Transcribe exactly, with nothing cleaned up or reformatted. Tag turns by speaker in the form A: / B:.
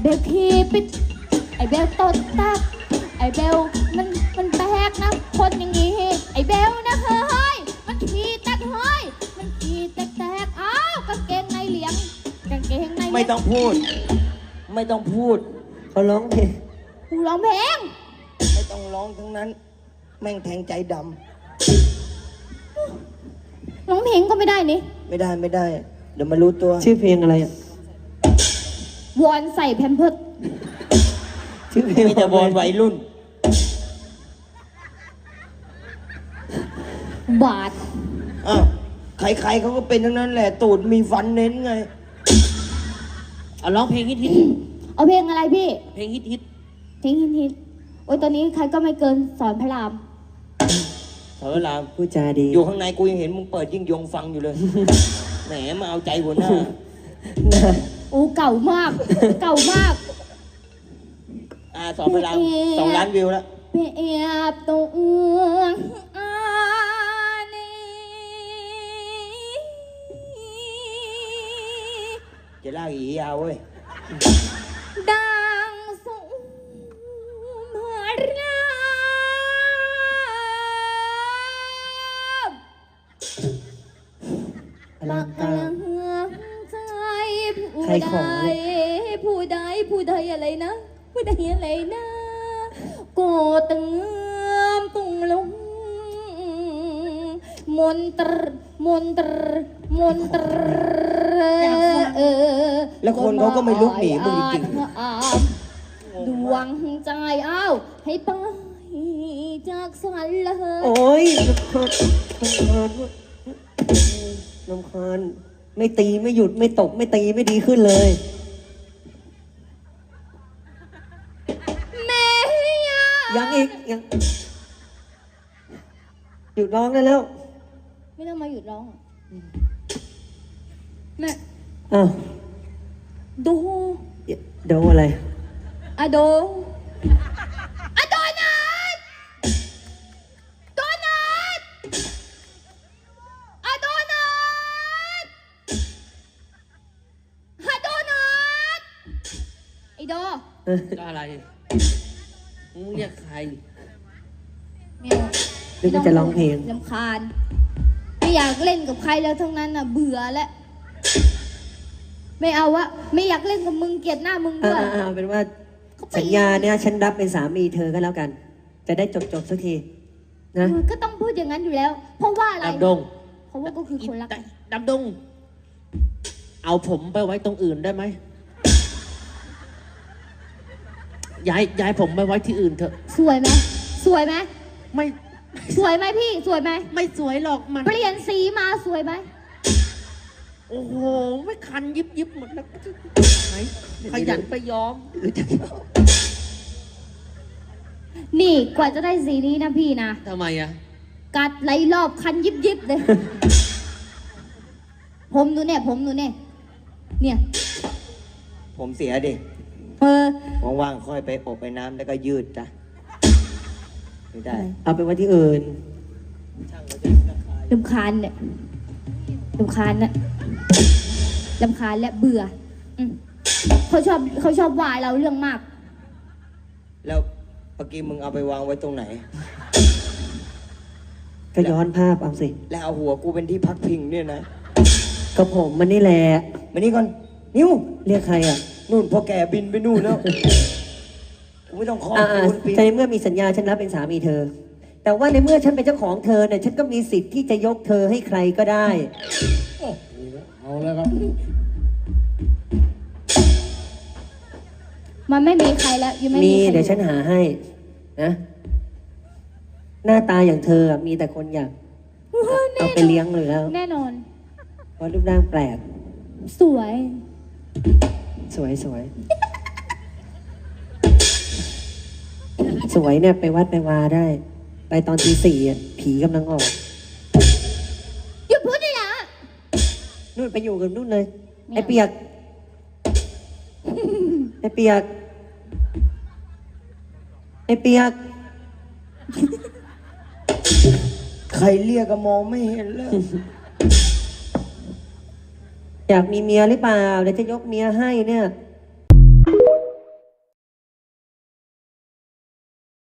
A: บลขี้ปิดไอ้เบลตดตักไอ้เบลมันมันแปลกนะคนอย่างงี้ไอ้เบลนะเฮ้ยมันขี้แตกเฮ้ยมันขี้แตกแตกอ้าวกางเกงในเหลียงกางเกงใน
B: ไม่ต้องพูดไม่ต้องพูด
C: เขาร้องเพลง
A: กูร้องเพลง
B: ไม่ต้องร้องทั้งนั้นแม่งแทงใจด
A: ำร้องเพลงก็ไม่ได้นี่
B: ไม่ได้ไม่ได้เดี๋ยวมารู้ตัว
C: ชื่อเพลงอะไรอ่ะ
A: วอนใส่แพมเพิร์ส
C: ชื่อเพลง
B: มีแต่วอนวัยรุ่น
A: บาท
B: อ้าวใครๆเขาก็เป็นทั้งนั้นแหละตูดมีฟันเน้นไง
D: เอาร้องเพลงฮิตฮิต
A: เอาเพลงอะไรพี่
D: เพลงฮิตฮิต
A: เพลงฮิตฮิตโอ้ยตอนนี้ใครก็ไม่เกินสอนพระราม
B: สอนพระราม
C: พูดจาดี
B: อยู่ข้างในกูยังเห็นมึงเปิดยิ่งยงฟังอยู่เลยแหมมาเอาใจหัวหน้า
A: โอ้เก่ามากเก่ามาก
B: อ่าสอนพระรามสองล้านวิวแล้ว
A: เปียบตัวอานี
B: จะลากอียาวเว้ย
A: ดังสุมรามลักลังใจผู้ใดผู้ใดผู้ใดอะไรนะผู้ใดอะไรนะก็ตึงตุงลงมนตรมนตรมนตรเออ
B: แล้วคนเขาก็ไม่ลุกหนีมึงจริง
A: ดวงใจอ้าวให้ไปจากสันละ
C: โอ้ยลำคาญไม่ตีไม่หยุดไม่ตกไม่ตีไม่ดีขึ้นเลย
A: แม่
C: ยังอีกยังหยุดร้องได้แล้ว
A: ไม่ต้องมาหยุดร้องแม่
C: อ้าว
A: ดู
C: ดูอะไร
A: อะโดอะโดนัทโดนัทอะโดนัทอะโดนัทไอโด
D: ก็อะไรมึงเรียกใคร
A: ไม่เอา
C: ไม่ต้องจะร้องเพลง
A: รำคาญไม่อยากเล่นกับใครแล้วทั้งนั้นน่ะเบื่อแล้วไม่เอาวะไม่อยากเล่นกับมึงเกลียดหน้ามึงด้วย
C: อ่าเป็นว่าสัญญาเนี่ยฉันรับเป็นสามีเธอก็แล้วกันจะได้จบจบสักทีนะ
A: ก็ต้องพูดอย่างนั้นอยู่แล้วเพราะว่าอะไร
D: ดำดง
A: เพราะว่าก็คือคนรัก
D: ดำดงเอาผมไปไว้ตรงอื่นได้ไหมย้ายย้ายผมไปไว้ที่อื่นเถอะ
A: สวยไหมสวยไหม
D: ไม่
A: สวยไหมพี่สวยไหม
D: ไม่สวยหรอกมัน
A: เปลี่ยนสีมาสวยไหม
D: โอ้โหไม่คันยิบยิบหมดแล้วไหนขยันไปย้อม
A: นี่กว่าจะได้สีนี้นะพี่นะ
D: ทำไมอะ
A: กัดไหลรอบคันยิบยิบเลยผมดูเนี่ยผมดูเนี่ยเนี่ย
B: ผมเสียดิ
A: เออ
B: ว่างๆค่อยไปอบไปน้ำแล้วก็ยืดจ้ะไม่ได้
C: เอาไปไว้ที่อื่น
A: ลำคาญเนี่ยลำคาญนะลำคาญและเบื่อเขาชอบเขาชอบว่าเราเรื่องมาก
B: แล้วเมื่อกี้มึงเอาไปวางไว้ตรงไหน
C: ก็ย้อนภาพเอาสิ
B: แล้วเอาหัวกูเป็นที่พักพิงเนี่ยนะ
C: ก็ผมมันนี่แหละ
B: มานี่ก่อนนิ้ว
C: เรียกใครอ่ะ
B: นู่นพอแกบินไปนู่นแล้วกูไม่ต้องขอ
C: คุณปีในเมื่อมีสัญญาฉันรับเป็นสามีเธอแต่ว่าในเมื่อฉันเป็นเจ้าของเธอเนี่ยฉันก็มีสิทธิ์ที่จะยกเธอให้ใครก็ได้
E: เอาแล้วครับ
A: มันไม่มีใครแล้วยังไม่
C: มีเดี๋ยวฉันหาให้นะหน้าตาอย่างเธอมีแต่คนอยากเอาไปเลี้ยงเลยแล้ว
A: แน่นอน
C: เพราะรูปร่างแปลก
A: สวย
C: สวยสวยสวยเนี่ยไปวัดไปวาได้ไปตอนตีสี่อ่ะผีกำลังออก
A: หยุดพูดได้ละ
C: นู่นไปอยู่กับนู่นเลยไอ้เปียกไอ้เปียกไอ้เปียก
B: ใครเรียกก็มองไม่เห็นเลย
C: อยากมีเมียหรือเปล่าเดี๋ยวจะยกเมียให้เนี่ย